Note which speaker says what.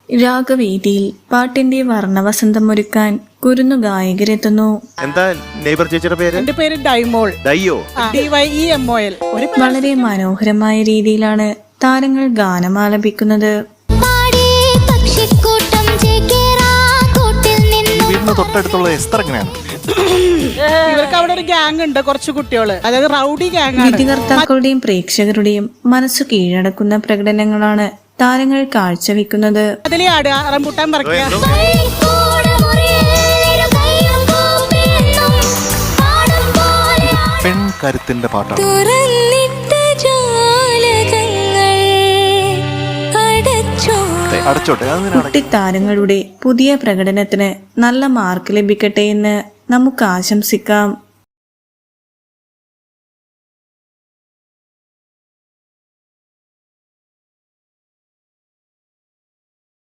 Speaker 1: രാഗവേദിയിൽ പാട്ടിന്റെ വർണ്ണവസന്തമൊരുക്കാൻ കുരുന്നു ഗായകരെത്തുന്നു.
Speaker 2: എന്താ നെയ്ബർ ചേച്ചിയുടെ പേര്?
Speaker 3: എന്റെ പേര് ഡൈമോൾ.
Speaker 2: ഡയ്യോ?
Speaker 3: DYEMOL.
Speaker 1: വളരെ മനോഹരമായ രീതിയിലാണ് താരങ്ങൾ ഗാനമാലപിക്കുന്നത്.
Speaker 2: വീടിന് തൊട്ടടുത്തുള്ള എസ്തർ എങ്ങനെയാണ്?
Speaker 3: ഇവർക്ക് അവിടെ ഒരു ഗ്യാങ് ഉണ്ട്, കുറച്ച് കുട്ടികള്, അതായത് റൗഡി ഗ്യാങ്.
Speaker 1: വിധികർത്താക്കളുടെയും പ്രേക്ഷകരുടെയും മനസ്സു കീഴടക്കുന്ന പ്രകടനങ്ങളാണ് താരങ്ങൾ കാഴ്ചവെക്കുന്നത്.
Speaker 3: അതിലെ ആടുക, റംബൂട്ടാൻ പറിക്കുക.
Speaker 2: പെൺകരുത്തിന്റെ പാട്ടാണ്.
Speaker 1: കുട്ടിത്താരങ്ങളുടെ പുതിയ പ്രകടനത്തിന് നല്ല മാർക്ക് ലഭിക്കട്ടെ എന്ന് നമുക്ക് ആശംസിക്കാം.